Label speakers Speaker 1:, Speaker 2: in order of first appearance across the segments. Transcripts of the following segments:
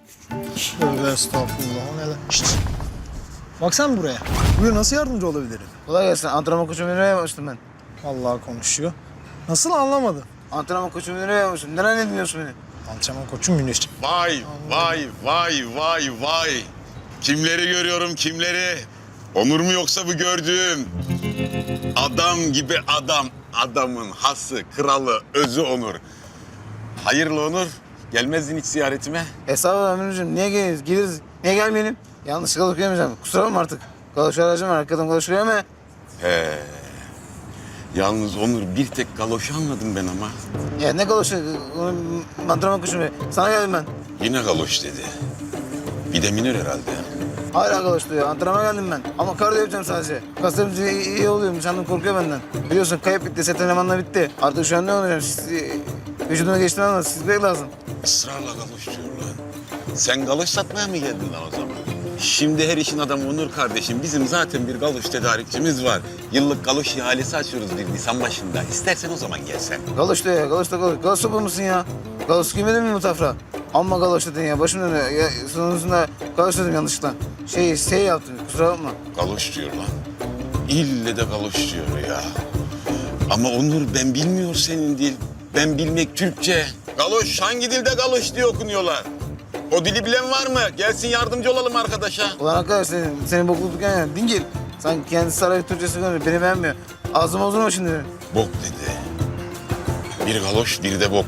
Speaker 1: Tövbe estağfurullah. O ne lan? Şşt. Bak sen buraya. Buyur, nasıl yardımcı olabilirim?
Speaker 2: Kolay gelsin. Antrenman koçu müdürüne yapmıştım ben.
Speaker 1: Allah konuşuyor. Nasıl, anlamadım.
Speaker 2: Antrenman koçu müdürüne yapmıştım. Neden ne dinliyorsun beni?
Speaker 1: Antrenman koçum Güneş'ciğim.
Speaker 3: Vay, vay, vay, vay, vay. Kimleri görüyorum, kimleri? Onur mu yoksa bu gördüğüm? Adam gibi adam. Adamın hası, kralı, özü Onur. Hayırlı Onur. Gelmezdin hiç ziyaretime.
Speaker 2: Estağfurullah müdürcüğüm. Niye geliriz? Geliriz. Niye gelmeyelim? Yanlışlıkla okuyamayacağım. Kusura bakma artık. Galoşu aracım var. Arkadan galoşuyor ama.
Speaker 3: He. Yalnız Onur bir tek galoşu anladım ben ama.
Speaker 2: Ya ne galoşu? Antrenman koçu mu? Sana geldim ben.
Speaker 3: Yine galoş dedi. Bir de minör herhalde.
Speaker 2: Hala galoş diyor. Antrenmana geldim ben. Ama kardiyo yapacağım sadece. Kaslarım iyi oluyormuş. Hanım korkuyor benden. Biliyorsun kayıp bitti. Set elemanla bitti. Artık şu an ne olacağım? Vücuduma geçtiğini anladın. Sizlik lazım.
Speaker 3: Israrla galoş diyor lan. Sen galoş satmaya mı geldin lan o zaman? Şimdi her işin adamı Onur kardeşim. Bizim zaten bir galoş tedarikçimiz var. Yıllık galoş ihalesi açıyoruz bir Nisan başında. İstersen o zaman gelsen.
Speaker 2: Galoş diyor ya. Galoş da galoş. Galoş sopa mısın ya? Galoş giymedin mi bu tafra? Amma galoş dedin ya. Başım dönüyor. Ya, sonucunda galoş dedim yanlışlıkla. Şey yaptım. Kusura bakma.
Speaker 3: Galoş diyor lan. İlle de galoş diyor ya. Ama Onur ben bilmiyor senin dil. Ben bilmek Türkçe. Galoş hangi dilde galoş diye okunuyorlar? O dili bilen var mı? Gelsin yardımcı olalım arkadaşa.
Speaker 2: Ulan arkadaş senin bokluk yani. Dingil. Sanki kendisi saray Türkçesi konuşuyor. Beni beğenmiyor. Ağzım bozulma şimdi.
Speaker 3: Bok dedi. Bir galoş bir de bok.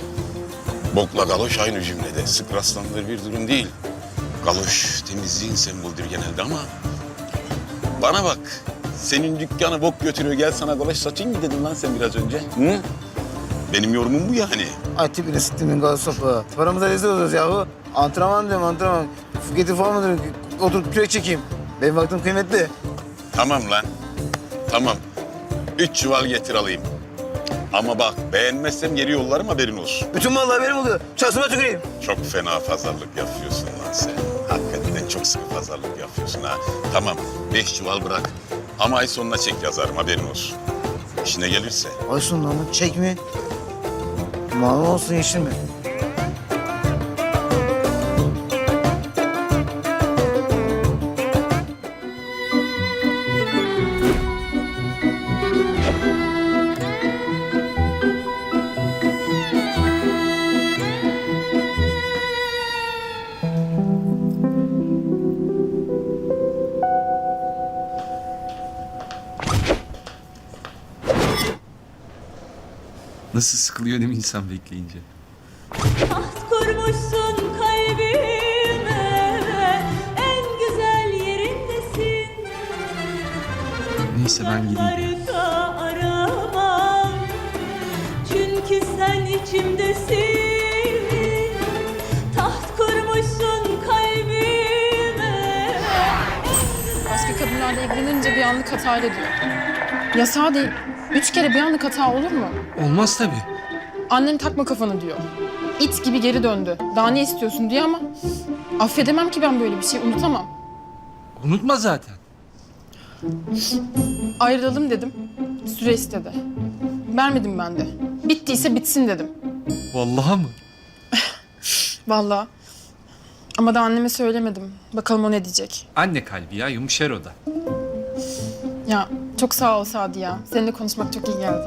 Speaker 3: Bokla galoş aynı cümlede. Sık rastlanılır bir durum değil. Galoş temizliğin sembolüdür genelde ama... Bana bak. Senin dükkanı bok götürüyor. Gel sana galoş satayım mı dedin lan sen biraz önce? Hı? Benim yorumum bu yani.
Speaker 2: Ay tipini siktimin galoş sopa. Paramıza rezil oluyoruz yahu. Antrenman diyorum antrenman. Getir falan mı diyorum? Oturup kürek çekeyim. Benim vaktim kıymetli.
Speaker 3: Tamam lan. Tamam. 3 çuval getir alayım. Ama bak beğenmezsem geri yollarım haberin olsun.
Speaker 2: Bütün mallar benim oluyor. Şansıma tüküreyim.
Speaker 3: Çok fena pazarlık yapıyorsun lan sen. Hakikaten çok sıkı pazarlık yapıyorsun ha. Tamam 5 çuval bırak. Ama ay sonuna çek yazarım haberin olsun. İşine gelirse.
Speaker 2: Olsun lan bu çek mi? Malum olsun yeşil mi?
Speaker 4: Nasıl sıkılıyor değil mi insan bekleyince?
Speaker 5: Taht kurmuşsun kalbime, en güzel yerindesin.
Speaker 4: Neyse ben gideyim.
Speaker 5: Uzaklarda aramam, çünkü sen içimdesin. Taht kurmuşsun kalbime.
Speaker 6: Başka kadınlarla ilgilenince bir anlık hatayla diyor. Yasağı değil. 3 kere bir anlık hata olur mu?
Speaker 4: Olmaz tabii.
Speaker 6: Annen takma kafanı diyor. İt gibi geri döndü. Daha ne istiyorsun diyor ama... Affedemem ki ben böyle bir şey, unutamam.
Speaker 4: Unutma zaten.
Speaker 6: Ayrılalım dedim. Süre istedi. Vermedim ben de. Bittiyse bitsin dedim.
Speaker 4: Vallahi mı?
Speaker 6: Vallahi. Ama da anneme söylemedim. Bakalım o ne diyecek.
Speaker 4: Anne kalbi ya, yumuşar o da.
Speaker 6: Ya çok sağ ol Sadi ya. Seninle konuşmak çok iyi geldi.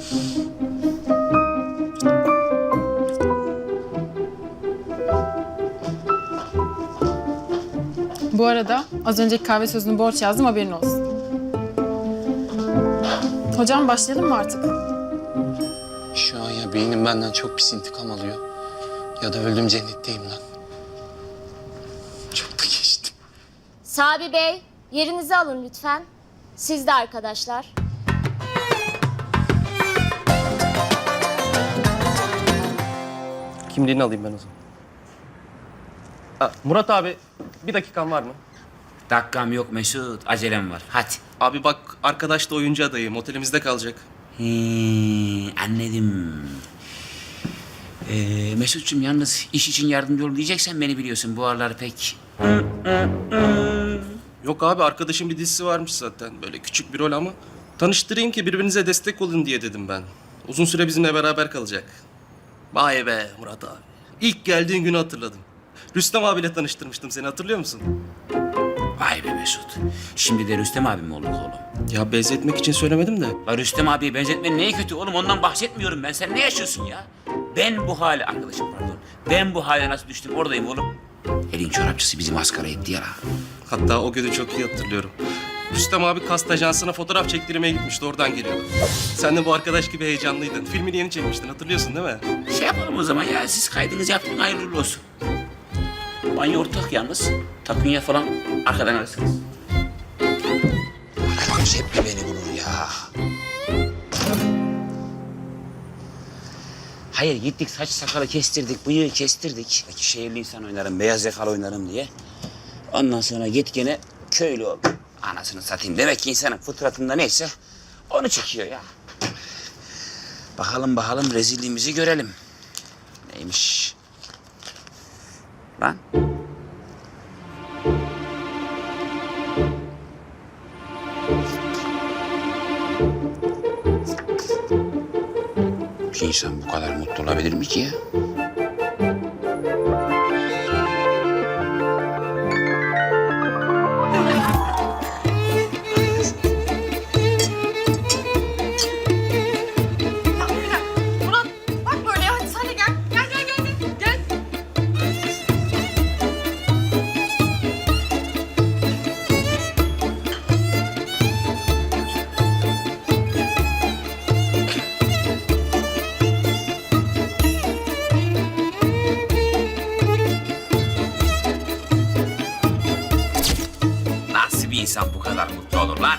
Speaker 6: Bu arada az önceki kahve sözünü borç yazdım, haberin olsun. Hocam başlayalım mı artık?
Speaker 7: Şu an ya beynim benden çok pis intikam alıyor ya da öldüm cennetteyim lan. Çok da geçtim.
Speaker 8: Sabi Bey, yerinizi alın lütfen. Siz de arkadaşlar.
Speaker 9: Kimliğini alayım ben o zaman. Murat abi, bir dakikan var mı?
Speaker 10: Dakikam yok Mesut, acelem var. Hadi.
Speaker 9: Abi bak, arkadaş da oyuncu adayım. Otelimizde kalacak.
Speaker 10: Anladım. Mesut'cum yalnız iş için yardımcı ol diyeceksen beni biliyorsun. Bu aralar pek...
Speaker 9: Yok abi, arkadaşın bir dizisi varmış zaten. Böyle küçük bir rol ama. Tanıştırayım ki birbirinize destek olun diye dedim ben. Uzun süre bizimle beraber kalacak. Vay be Murat abi. İlk geldiğin günü hatırladım. Rüstem abiyle tanıştırmıştım seni, hatırlıyor musun?
Speaker 10: Vay be Mesut. Şimdi de Rüstem abi mi olduk oğlum?
Speaker 9: Ya benzetmek için söylemedim de.
Speaker 10: La Rüstem abiye benzetmenin neyi kötü oğlum? Ondan bahsetmiyorum ben. Sen ne yaşıyorsun ya? Ben bu hale, arkadaşım pardon. Ben bu hale nasıl düştüm oradayım oğlum. Elin çorapçısı bizi maskara etti ya.
Speaker 9: Hatta o günü çok iyi hatırlıyorum. Rüstem abi kast ajansına fotoğraf çektirmeye gitmişti, oradan geliyor. Sen de bu arkadaş gibi heyecanlıydın. Filmini yeni çekmiştin, hatırlıyorsun değil mi?
Speaker 10: Şey yapalım o zaman ya. Siz kaydınızı yapın, hayırlı uğurlu olsun. Banyo ortak yalnız. Takunya falan arkadan alırsınız. Arkadaş hep beni bulur ya. Hayır gittik saç sakalı kestirdik, bıyığı kestirdik. Belki şehirli insan oynarım, beyaz yakalı oynarım diye. Ondan sonra git gene köylü ol. Anasını satayım. Demek ki insanın fıtratında neyse onu çekiyor ya. Bakalım rezilliğimizi görelim. Neymiş? Lan. Bir insan bu kadar mutlu olabilir mi ki ya?
Speaker 6: Murat bak böyle ya. Hadi sen de gel. Gel.
Speaker 10: Nasıl bir insan bu kadar mutlu olur lan?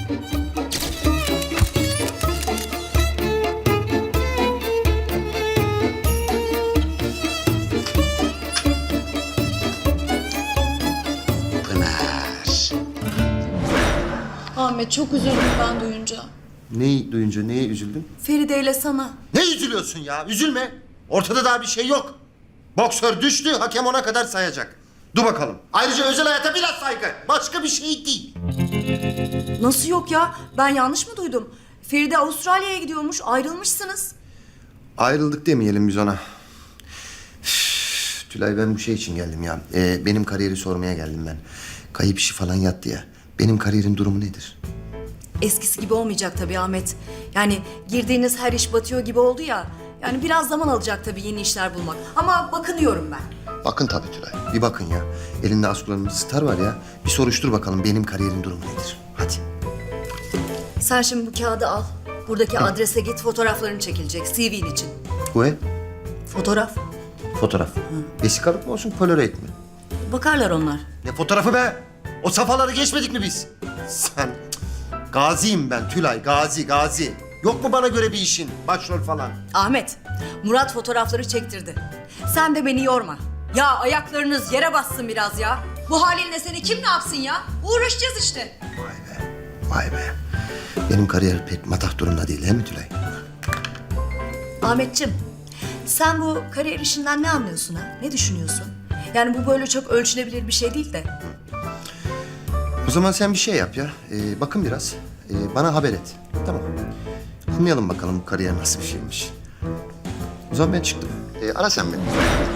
Speaker 10: Pınar.
Speaker 5: Ahmet çok üzüldüm ben duyunca.
Speaker 11: Neyi duyunca neye üzüldün?
Speaker 5: Feride ile sana.
Speaker 11: Ne üzülüyorsun ya? Üzülme. Ortada daha bir şey yok. Boksör düştü, hakem ona kadar sayacak. Dur bakalım. Ayrıca özel hayata biraz saygı. Başka bir şey değil.
Speaker 5: Nasıl yok ya? Ben yanlış mı duydum? Feride Avustralya'ya gidiyormuş, ayrılmışsınız.
Speaker 11: Ayrıldık demeyelim biz ona. Üf, Tülay ben bu şey için geldim ya. Benim kariyeri sormaya geldim ben. Kayıp işi falan yattı ya. Benim kariyerin durumu nedir?
Speaker 5: Eskisi gibi olmayacak tabii Ahmet. Yani girdiğiniz her iş batıyor gibi oldu ya. Yani biraz zaman alacak tabii yeni işler bulmak. Ama bakınıyorum ben.
Speaker 11: Bakın tabii Tülay. Bir bakın ya. Elinde askularımız star var ya. Bir soruştur bakalım benim kariyerin durumu nedir? Hadi.
Speaker 5: Sen şimdi bu kağıdı al. Buradaki adrese git, fotoğrafların çekilecek CV'nin için.
Speaker 11: Bu ev?
Speaker 5: Fotoğraf.
Speaker 11: Fotoğraf. Vesikalık mı olsun, polaroid mi?
Speaker 5: Bakarlar onlar.
Speaker 11: Ne fotoğrafı be? O safhaları geçmedik mi biz? Sen... Gaziyim ben Tülay, gazi. Yok mu bana göre bir işin? Başrol falan.
Speaker 5: Ahmet, Murat fotoğrafları çektirdi. Sen de beni yorma. Ya ayaklarınız yere bassın biraz ya. Bu halinle seni kim ne yapsın ya? Uğraşacağız işte.
Speaker 11: Vay be. Benim kariyer pek matah durumda değil, değil mi Tülay?
Speaker 5: Ahmetciğim, sen bu kariyer işinden ne anlıyorsun ha? Ne düşünüyorsun? Yani bu böyle çok ölçülebilir bir şey değil de.
Speaker 11: O zaman sen bir şey yap ya. Bakın biraz. Bana haber et. Tamam. Anlayalım bakalım bu kariyer nasıl bir şeymiş. O zaman ben çıktım. Ara sen beni.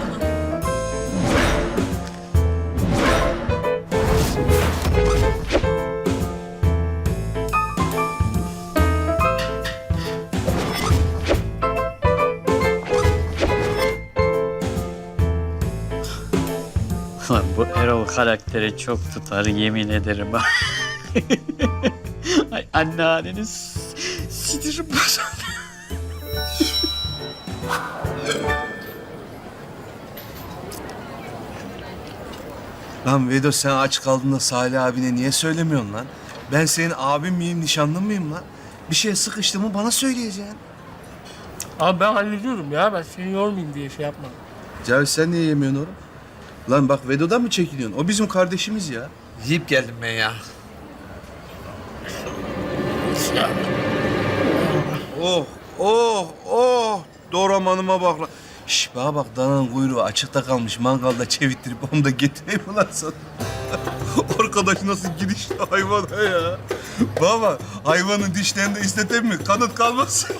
Speaker 12: Lan bu Erol karakteri çok tutar yemin ederim. Ay anneanneniz sinirim bozuldu.
Speaker 13: Lan Vedo sen aç kaldığında Salih abine niye söylemiyorsun lan? Ben senin abin miyim, nişanlın mıyım lan? Bir şeye sıkıştı mı bana söyleyeceksin.
Speaker 12: Abi ben hallediyorum ya. Ben seni yormayayım diye şey yapmadım.
Speaker 13: Cavit sen niye yemiyorsun oğlum? Lan bak Vedo'dan mı çekiniyorsun? O bizim kardeşimiz ya.
Speaker 7: Yiyip geldim ben ya.
Speaker 13: Oh. Doğramanıma bak lan. Şş bana bak dananın kuyruğu açıkta kalmış. Mangalda çevittirip onu da getireyim mi lan sana? Arkadaş nasıl girişti hayvana ya? Baba hayvanın dişlerinde isteten mi? Kanıt kalmasın.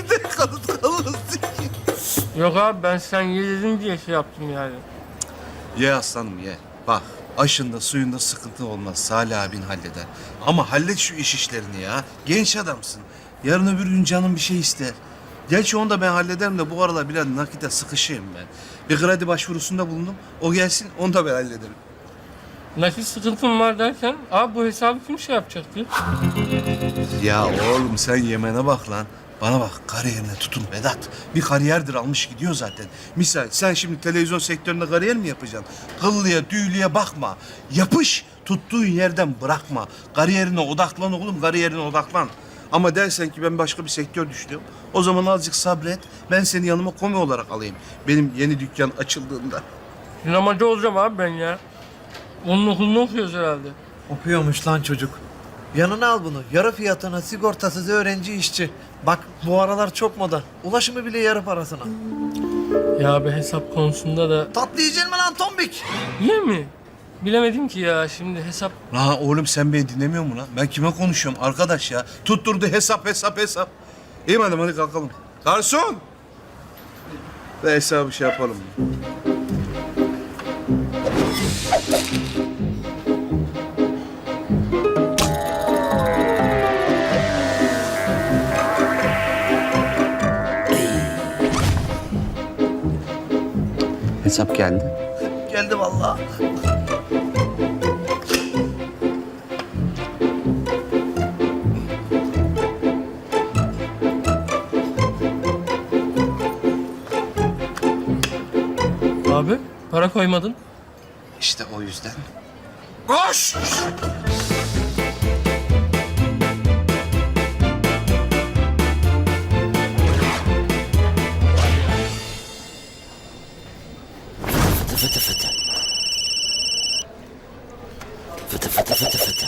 Speaker 13: Kanıt kalmasın.
Speaker 12: Yok abi ben sen ye dedin diye şey yaptım yani.
Speaker 13: Ye aslanım ye. Bak aşında suyunda sıkıntı olmaz. Salih abin halleder. Ama hallet şu iş işlerini ya. Genç adamsın. Yarın öbür gün canın bir şey ister. Gerçi onu da ben hallederim de bu aralar biraz nakite sıkışayım ben. Bir kredi başvurusunda bulundum. O gelsin onu da ben hallederim.
Speaker 9: Nakit sıkıntım var derken abi bu hesabı kim şey yapacaktı?
Speaker 13: Ya oğlum sen Yemen'e bak lan. Bana bak kariyerine tutun Vedat. Bir kariyerdir almış gidiyor zaten. Misal sen şimdi televizyon sektöründe kariyer mi yapacaksın? Kıllıya düğlüye bakma. Yapış tuttuğun yerden bırakma. Kariyerine odaklan oğlum kariyerine odaklan. Ama dersen ki ben başka bir sektör düşünüyorum. O zaman azıcık sabret. Ben seni yanıma komi olarak alayım. Benim yeni dükkan açıldığında.
Speaker 9: Sinemacı olacağım abi ben ya. Onun okulunu okuyoruz herhalde.
Speaker 14: Okuyormuş lan çocuk. Yanına al bunu. Yarı fiyatına sigortasız öğrenci işçi. Bak bu aralar çok moda. Ulaşımı bile yarı parasına.
Speaker 9: Ya be hesap konusunda da...
Speaker 14: Tatlı yiyeceksin mi lan tombik?
Speaker 9: Niye mi? Bilemedim ki ya şimdi hesap...
Speaker 13: La oğlum sen beni dinlemiyor musun lan? Ben kime konuşuyorum arkadaş ya? Tutturdu hesap. İyi madem hadi kalkalım. Garson! Ve hesabı şey yapalım.
Speaker 10: Hesap geldi.
Speaker 14: Geldi vallahi.
Speaker 9: Abi para koymadın.
Speaker 10: İşte o yüzden.
Speaker 13: Koş!
Speaker 10: Fıtı fıtı fıtı. Fıtı fıtı fıtı fıtı.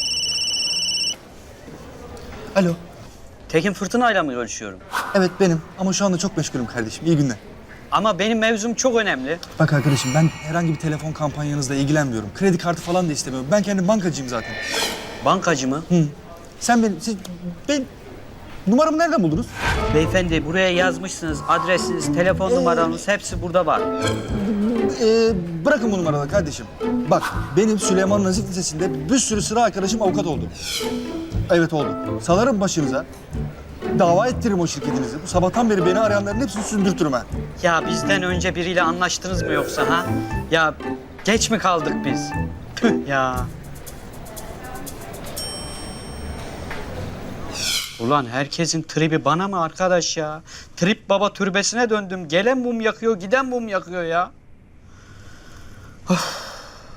Speaker 15: Alo.
Speaker 12: Tekin Fırtına'yla mı görüşüyorum?
Speaker 15: Evet benim ama şu anda çok meşgulüm kardeşim. İyi günler.
Speaker 12: Ama benim mevzum çok önemli.
Speaker 15: Bak arkadaşım ben herhangi bir telefon kampanyanızla ilgilenmiyorum. Kredi kartı falan da istemiyorum. Ben kendim bankacıyım zaten.
Speaker 12: Bankacı mı?
Speaker 15: Hı. Ben numaramı nereden buldunuz?
Speaker 12: Beyefendi buraya yazmışsınız. Adresiniz, telefon numaranız hepsi burada var.
Speaker 15: Bırakın bu numaraları kardeşim. Bak benim Süleyman Nazif Lisesi'nde bir sürü sıra arkadaşım avukat oldu. Evet oldu. Salarım başınıza. Dava ettiririm o şirketinizi. Bu sabahtan beri beni arayanların hepsini sündürtürüm ha.
Speaker 12: Ya bizden önce biriyle anlaştınız mı yoksa ha? Ya geç mi kaldık biz? Tüh ya. Ulan herkesin tribi bana mı arkadaş ya? Trip baba türbesine döndüm. Gelen mum yakıyor, giden mum yakıyor ya. Of.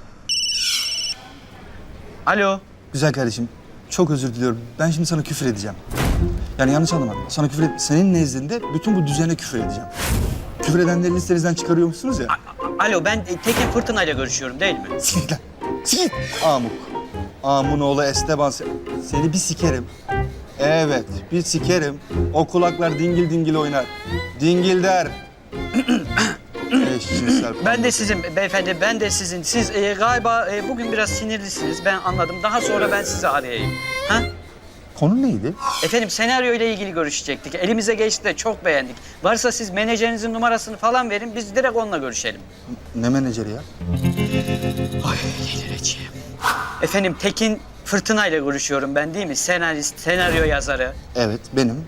Speaker 12: Alo.
Speaker 15: Güzel kardeşim. Çok özür diliyorum. Ben şimdi sana küfür edeceğim. Yani yanlış anlama. Sana küfür senin nezdinde bütün bu düzene küfür edeceğim. Küfür edenleri listenizden çıkarıyormuşsunuz ya.
Speaker 12: Alo ben Tekin Fırtına'yla görüşüyorum değil mi?
Speaker 15: Sikit lan. Sikit. Amuk. Amun oğlu Esteban. Seni bir sikerim. Evet, bir sikerim. O kulaklar dingil dingil oynar. Dingil der. Eşcinsel.
Speaker 12: Ben de sizin beyefendi, ben de sizin. Siz galiba bugün biraz sinirlisiniz. Ben anladım. Daha sonra ben sizi arayayım. Ha?
Speaker 15: Konu neydi?
Speaker 12: Efendim senaryo ile ilgili görüşecektik. Elimize geçti de çok beğendik. Varsa siz menajerinizin numarasını falan verin. Biz direkt onunla görüşelim.
Speaker 15: Ne menajeri ya?
Speaker 12: Ay delireceğim. Efendim Tekin Fırtına ile görüşüyorum ben değil mi? Senarist, senaryo yazarı.
Speaker 15: Evet, benim.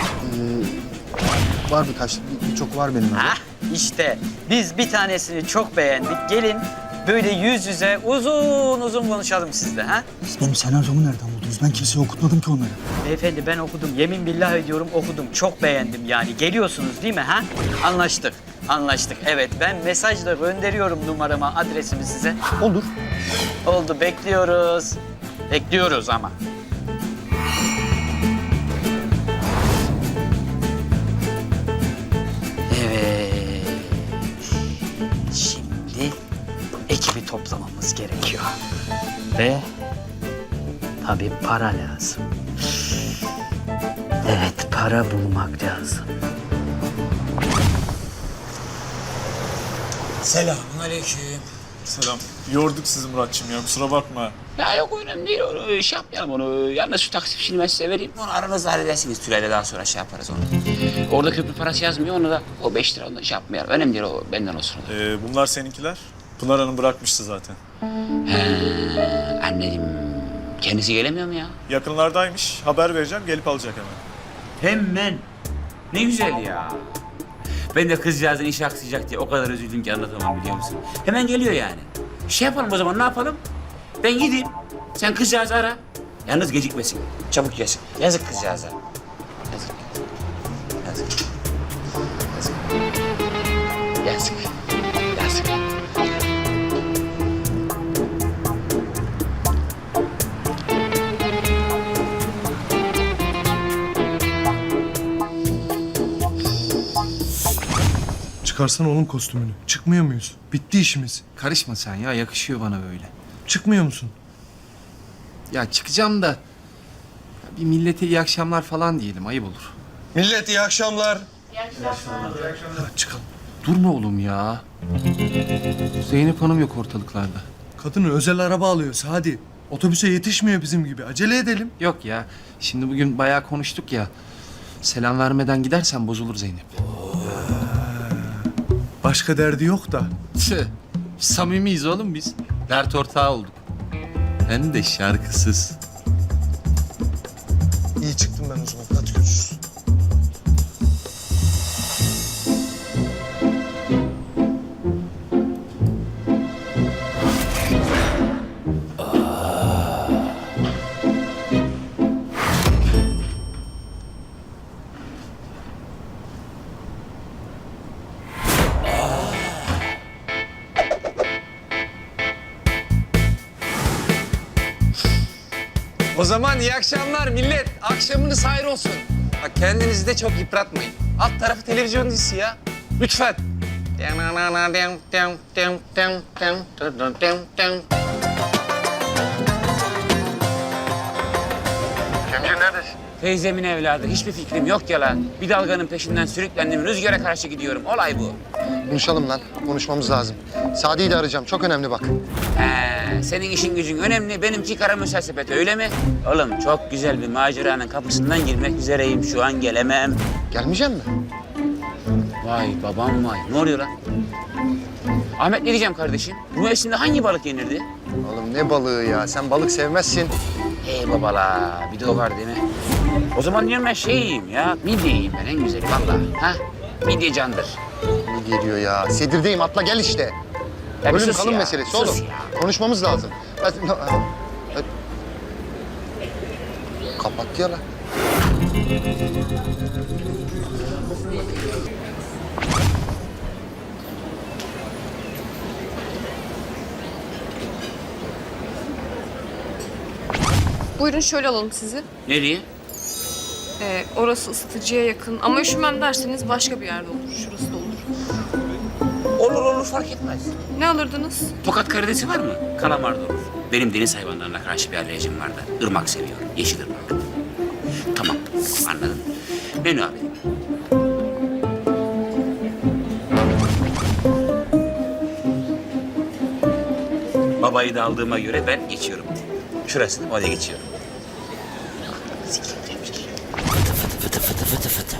Speaker 15: Var birçok var benim.
Speaker 12: Ha? İşte biz bir tanesini çok beğendik. Gelin böyle yüz yüze uzun uzun konuşalım sizle ha?
Speaker 15: Siz benim senaryomu nereden buldunuz? Ben kimseye okutmadım ki onları.
Speaker 12: Beyefendi ben okudum. Yemin billah ediyorum okudum. Çok beğendim yani. Geliyorsunuz değil mi ha? Anlaştık. Anlaştık. Evet ben mesajla gönderiyorum numaramı, adresimi size.
Speaker 15: Olur.
Speaker 12: Oldu. Bekliyoruz. Bekliyoruz ama. Evet. Şimdi ekibi toplamamız gerekiyor. Ve tabii para lazım. Evet, para bulmak lazım.
Speaker 1: Selamünaleyküm. Selam. Yorduk sizi Muratçım ya kusura bakma.
Speaker 10: Ya yok önemli değil. Onu şey yapmayalım onu. Yalnız şu taksi fişini ben size vereyim. Onu aranızda halledersiniz Tülay'la daha sonra şey yaparız onu. Orada köprü parası yazmıyor onu da. O 5 lira onu da şey yapmayalım. Önemli değil o benden olsun.
Speaker 1: Bunlar seninkiler.
Speaker 16: Pınar Hanım bırakmıştı zaten.
Speaker 10: He, anladım. Kendisi gelemiyor mu ya?
Speaker 16: Yakınlardaymış. Haber vereceğim, gelip alacak hemen.
Speaker 10: Hemen. Ne güzel ya. Ben de kızcağızın işi aksayacak diye o kadar üzüldüm ki anlatamam, biliyor musun? Hemen geliyor yani. Şey yapalım o zaman, ne yapalım? Ben gideyim. Sen kızcağızı ara. Yalnız gecikmesin. Çabuk gelsin. Yazık kızcağıza. Yazık. Yazık. Yazık. Yazık. Yazık.
Speaker 13: Çıkarsana oğlum kostümünü. Çıkmıyor muyuz? Bitti işimiz.
Speaker 4: Karışma sen ya, yakışıyor bana böyle.
Speaker 13: Çıkmıyor musun?
Speaker 4: Ya çıkacağım da bir millete iyi akşamlar falan diyelim, ayıp olur.
Speaker 13: Millet iyi akşamlar.
Speaker 4: Çıkalım. Durma oğlum ya. Zeynep Hanım yok ortalıklarda.
Speaker 13: Kadını özel araba alıyoruz hadi. Otobüse yetişmiyor bizim gibi. Acele edelim.
Speaker 4: Yok ya, şimdi bugün bayağı konuştuk ya. Selam vermeden gidersen bozulur Zeynep.
Speaker 13: Başka derdi yok da.
Speaker 4: Tüh, samimiyiz oğlum biz. Dert ortağı olduk. Hem de şarkısız.
Speaker 1: İyi çıktım ben o zaman. Hadi görüşürüz.
Speaker 7: O zaman iyi akşamlar millet. Akşamınız hayır olsun. Bak kendinizi de çok yıpratmayın. Alt tarafı televizyon dizisi ya. Lütfen.
Speaker 10: Teyzemin evladı, hiçbir fikrim yok ya lan. Bir dalganın peşinden sürüklendim, rüzgara karşı gidiyorum. Olay bu.
Speaker 11: Konuşalım lan. Konuşmamız lazım. Sadi'yi de arayacağım. Çok önemli bak.
Speaker 10: He, senin işin gücün önemli, benimki kara müsasebet, öyle mi? Oğlum çok güzel bir maceranın kapısından girmek üzereyim, şu an gelemem.
Speaker 11: Gelmeyecek mi?
Speaker 10: Vay babam vay, ne oluyor lan? Ahmet, ne diyeceğim kardeşim? Bu mevsimde hangi balık yenirdi?
Speaker 11: Oğlum ne balığı ya? Sen balık sevmezsin.
Speaker 10: Hey babala, bir de o var değil mi? O zaman diyorum ben şey yiyeyim ya, midye yiyeyim ben en güzeli vallahi. Ha? Midye candır.
Speaker 11: Ne geliyor ya? Sedirdeyim. Atla gel işte.
Speaker 10: Ya bir
Speaker 11: Ölüm
Speaker 10: sus
Speaker 11: kalım
Speaker 10: ya,
Speaker 11: meselesi
Speaker 10: sus
Speaker 11: oğlum.
Speaker 10: ya.
Speaker 11: Konuşmamız lazım. Kapattı ya lan.
Speaker 6: Buyurun şöyle alalım sizi.
Speaker 10: Nereye?
Speaker 6: Orası ısıtıcıya yakın ama üşümem derseniz başka bir yerde olur. Şurası da olur.
Speaker 10: Olur olur, fark etmez.
Speaker 6: Ne alırdınız?
Speaker 10: Tokat karidesi var mı? Kalamar da olur. Benim deniz hayvanlarına karşı bir alerjim var da. Irmak seviyorum, yeşil ırmak. Tamam, anladım. Menü abi. Babayı da aldığıma göre ben geçiyorum. Şurasını oraya geçiyorum. Fıtı fıtı fıtı fıtı fıtı fıtı.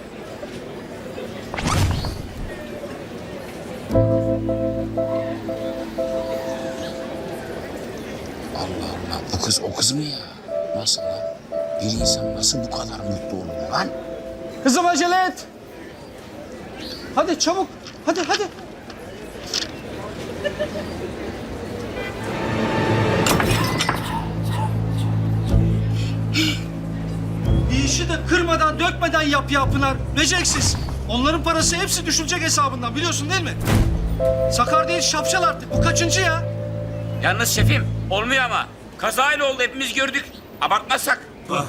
Speaker 10: Allah Allah, bu kız o kız mı ya? Nasıl lan? Bir insan nasıl bu kadar mutlu olur lan?
Speaker 15: Kızım acele et. Hadi çabuk. Hadi hadi.
Speaker 14: Bir işi de kırmadan, dökmeden yap ya Pınar. Beceriksiz. Onların parası hepsi düşülecek hesabından, biliyorsun değil mi? Sakar değil, şapşal artık. Bu kaçıncı ya?
Speaker 10: Yalnız şefim, olmuyor ama. Kazayla oldu, hepimiz gördük. Abartmazsak.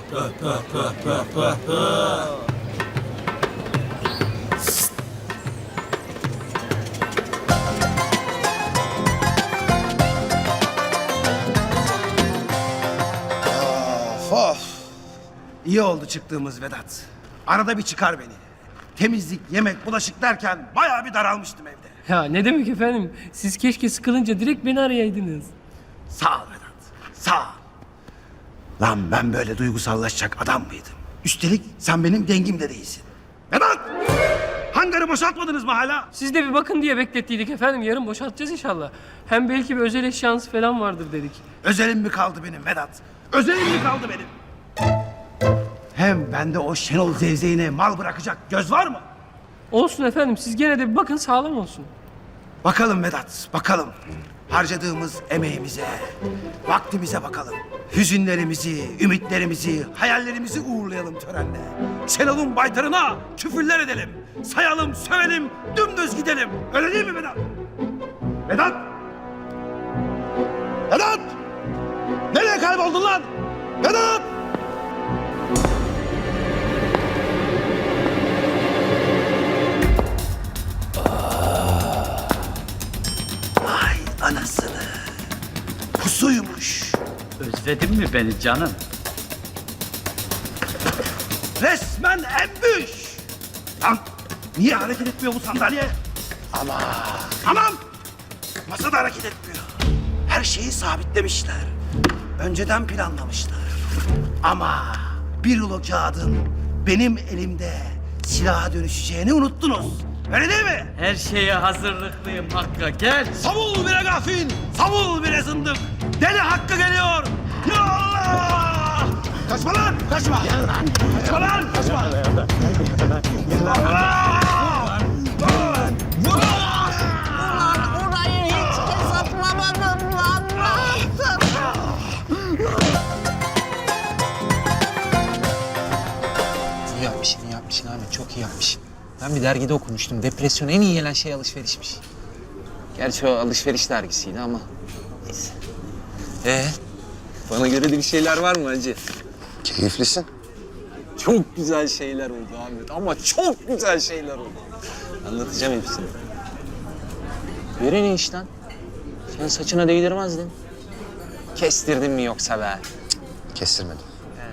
Speaker 14: Of. İyi oldu çıktığımız Vedat. Arada bir çıkar beni. Temizlik, yemek, bulaşık derken bayağı bir daralmıştım evde.
Speaker 17: Ya ne demek efendim? Siz keşke sıkılınca direkt beni arayaydınız.
Speaker 14: Sağ ol Vedat, sağ ol. Lan ben böyle duygusallaşacak adam mıydım? Üstelik sen benim dengimde değilsin. Vedat! Hangi hangarı boşaltmadınız mı hala?
Speaker 17: Siz de bir bakın diye beklettiydik efendim. Yarın boşaltacağız inşallah. Hem belki bir özel eşyanız falan vardır dedik.
Speaker 14: Özelim mi kaldı benim Vedat? Özelim mi kaldı benim? Hem bende o Şenol zevzeğine mal bırakacak göz var mı?
Speaker 17: Olsun efendim. Siz gene de bir bakın, sağlam olsun.
Speaker 14: Bakalım Vedat, bakalım. Harcadığımız emeğimize, vaktimize bakalım. Hüzünlerimizi, ümitlerimizi, hayallerimizi uğurlayalım törenle. Şenol'un baytarına küfürler edelim. Sayalım, sövelim, dümdüz gidelim. Öyle değil mi Vedat? Vedat! Vedat! Nereye kayboldun lan? Vedat! Ay anasını. Pusuymuş.
Speaker 12: Özledin mi beni canım?
Speaker 14: Resmen embüş. Lan niye hareket etmiyor bu sandalye? Aman! Masa da hareket etmiyor. Her şeyi sabitlemişler. Önceden planlamışlar. Ama bir rulo kağıdın benim elimde silaha dönüşeceğini unuttunuz. Öyle değil mi?
Speaker 12: Her şeye hazırlıklıyım Hakk'a, gel.
Speaker 14: Savul bire gafil, savul bire zındık. Deli Hakkı geliyor. Ya Allah! Kaçma lan, kaçma. Kaçma lan, kaçma. Allah!
Speaker 18: Orayı hiç hesaplamadım lan.
Speaker 7: İyi yapmışsın, iyi yapmışsın Ahmet. Çok iyi yapmışsın. Ben bir dergide okumuştum. Depresyon en iyi gelen şey alışverişmiş. Gerçi o alışveriş dergisiydi ama neyse. Bana göre de bir şeyler var mı hacı?
Speaker 11: Keyiflisin.
Speaker 7: Çok güzel şeyler oldu Ahmet ama çok güzel şeyler oldu. Anlatacağım hepsini. Böyle ne iş lan? Sen saçına değdirmezdin. Kestirdin mi yoksa be?
Speaker 11: Kestirmedim.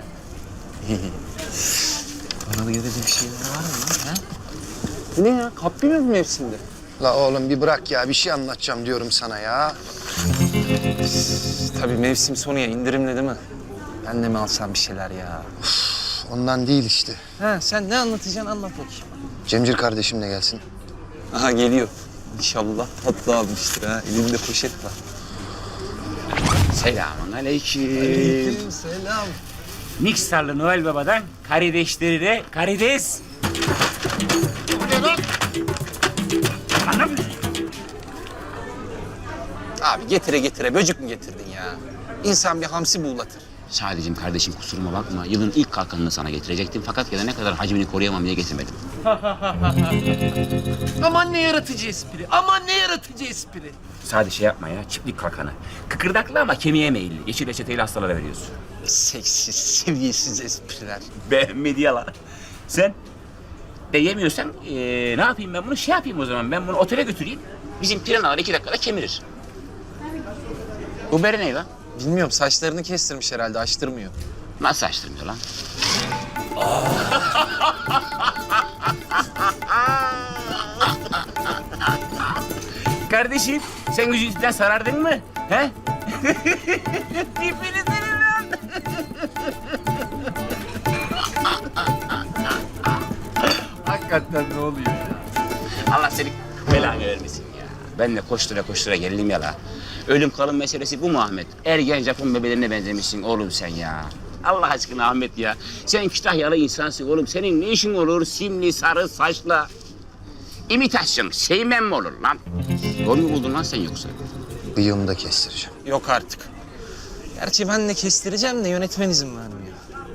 Speaker 7: Bana da göre de bir şeyler var mı lan? Ha? Bu ne ya? Kaplı mı bu mevsimde?
Speaker 11: La oğlum bir bırak ya. Bir şey anlatacağım diyorum sana ya.
Speaker 7: Tabii mevsim sonu ya, indirimli değil mi? Ben de mi alsam bir şeyler ya?
Speaker 11: Ondan değil işte.
Speaker 7: Ha, sen ne anlatacaksın anlat bakayım.
Speaker 11: Cemcir kardeşim de gelsin.
Speaker 7: Aha geliyor. İnşallah tatlı almıştır ha. Elinde poşet var.
Speaker 10: Selamun aleyküm.
Speaker 7: Selam.
Speaker 10: Niksarlı Noel Baba'dan karideşleri de karides.
Speaker 7: Abi getire getire böcük mü getirdin ya? İnsan bir hamsi buğulatır.
Speaker 10: Sadece kardeşim kusuruma bakma. Yılın ilk kalkanını sana getirecektim. Fakat gelene kadar hacmini koruyamam diye getirmedim.
Speaker 17: Aman ne yaratıcı espri. Aman ne yaratıcı espri.
Speaker 10: Sadece şey yapma ya, çiftlik kalkanı. Kıkırdaklı ama kemiğe meyilli. Yeşil reçeteyle hastalara veriyorsun.
Speaker 7: Seksiz, seviyesiz espriler.
Speaker 10: Beğenmedi yalan. Sen de yemiyorsan ne yapayım ben bunu? Şey yapayım o zaman, ben bunu otele götüreyim. Bizim piranalar 2 dakikada kemirir. Bu bere ne lan?
Speaker 7: Bilmiyorum, saçlarını kestirmiş herhalde, açtırmıyor.
Speaker 10: Nasıl açtırmıyor lan? Kardeşim, sen üzüntüden sarardın mı? He? Tipini senin lan.
Speaker 4: Hakikaten ne oluyor ya?
Speaker 10: Allah seni belanı vermesin ya. Ben de koştura koştura geldim ya la. Ölüm kalım meselesi bu mu Ahmet? Ergen Japon bebelerine benzemişsin oğlum sen ya. Allah aşkına Ahmet ya. Sen Kütahyalı insansın oğlum. Senin ne işin olur simli sarı saçla? İmitasyon şeymen mi olur lan? Yol mu buldun lan sen yoksa?
Speaker 11: Bıyığımı da kestireceğim.
Speaker 7: Yok artık. Gerçi ben de kestireceğim de yönetmen izin vermiyor.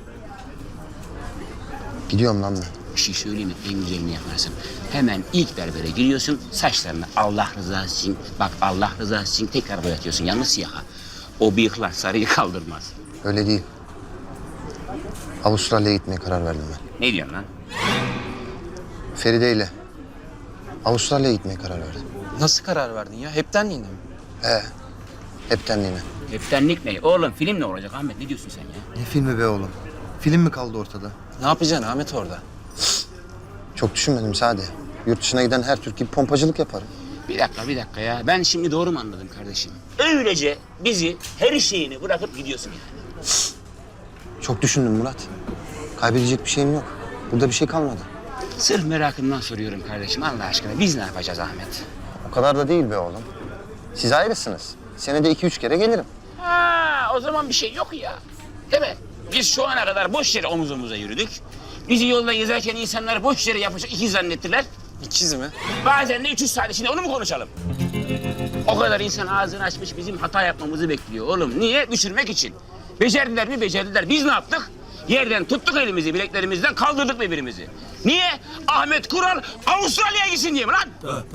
Speaker 11: Gidiyorum lan ben.
Speaker 10: Bir şey söyleyeyim mi? En güzelini yaparsın. Hemen ilk berbere giriyorsun, saçlarını Allah rızası için, bak Allah rızası için tekrar boyatıyorsun. Yalnız siyaha. O bıyıklar sarıyı kaldırmaz.
Speaker 11: Öyle değil. Avustralya'ya gitmeye karar verdim ben.
Speaker 10: Ne diyorsun lan?
Speaker 11: Feride ile Avustralya'ya gitmeye karar verdim.
Speaker 7: Nasıl karar verdin ya? Heptenliğine mi?
Speaker 11: Heptenliğine.
Speaker 10: Heptenlik ne? Oğlum film ne olacak Ahmet? Ne diyorsun sen ya?
Speaker 11: Ne filmi be oğlum? Film mi kaldı ortada?
Speaker 7: Ne yapacaksın Ahmet orada?
Speaker 11: Çok düşünmedim Sade. Yurt dışına giden her Türk gibi pompacılık yaparım.
Speaker 10: Bir dakika ya. Ben şimdi doğru mu anladım kardeşim? Öylece bizi her şeyini bırakıp gidiyorsun yani.
Speaker 11: Çok düşündüm Murat. Kaybedecek bir şeyim yok. Burada bir şey kalmadı.
Speaker 10: Sırf merakımdan soruyorum kardeşim Allah aşkına. Biz ne yapacağız Ahmet?
Speaker 11: O kadar da değil be oğlum. Siz ayrısınız. Senede 2-3 kere gelirim.
Speaker 10: Ha, o zaman bir şey yok ya. Değil mi? Biz şu ana kadar boş yere omuz omuza yürüdük. Bizi yolda gezerken insanlar boş yere yapışık ikiz zannettiler.
Speaker 4: İkiz mi?
Speaker 10: Bazen de 300 saat içinde onu mu konuşalım? O kadar insan ağzını açmış bizim hata yapmamızı bekliyor oğlum. Niye? Düşürmek için. Becerdiler mi? Becerdiler. Biz ne yaptık? Yerden tuttuk elimizi, bileklerimizden kaldırdık birbirimizi. Niye? Ahmet Kural Avustralya'ya gitsin diye mi lan?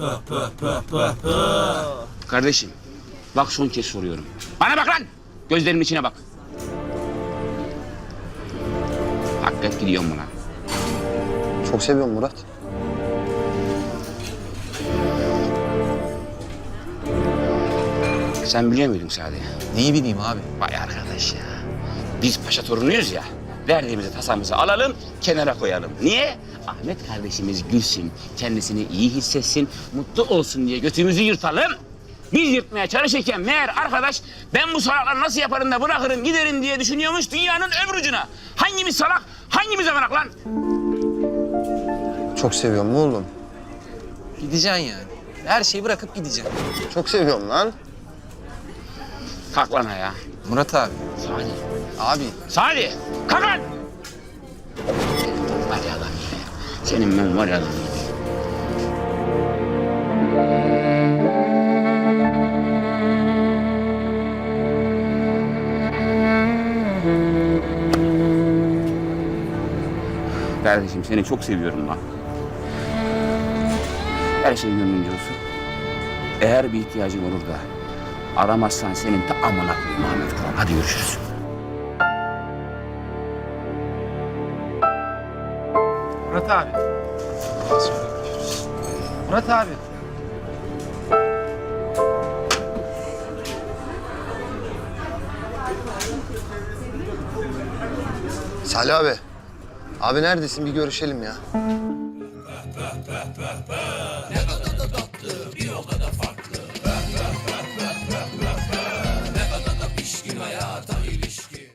Speaker 10: Kardeşim, bak son kez soruyorum. Bana bak lan! Gözlerimin içine bak. Hakikaten gidiyorum buna.
Speaker 11: Çok seviyorum Murat.
Speaker 10: Sen biliyor muydun Sadi?
Speaker 4: Neyi bileyim abi?
Speaker 10: Vay arkadaş ya. Biz paşa torunuyuz ya. Verdiğimizi tasamızı alalım, kenara koyalım. Niye? Ahmet kardeşimiz gülsün, kendisini iyi hissetsin, mutlu olsun diye götümüzü yırtalım. Biz yırtmaya çalışırken meğer arkadaş ben bu salakları nasıl yaparım da bırakırım giderim diye düşünüyormuş dünyanın öbür ucuna. Hangimiz salak, hangimiz avanak lan?
Speaker 11: Çok seviyorum oğlum.
Speaker 4: Gideceksin yani. Her şeyi bırakıp gideceksin.
Speaker 11: Çok seviyorum lan.
Speaker 10: Kalk lan ayağa.
Speaker 4: Murat abi.
Speaker 10: Sadi.
Speaker 4: Abi.
Speaker 10: Sadi, kalk lan! Var ya lan. Senin ben var ya lan. Kardeşim seni çok seviyorum lan. Her şey gönlünce olsun. Eğer bir ihtiyacın olur da aramazsan senin ta amına koyayım Ahmet Kural. Hadi görüşürüz.
Speaker 4: Murat abi. Murat abi.
Speaker 11: Salih abi. Abi neredesin? Bir görüşelim ya.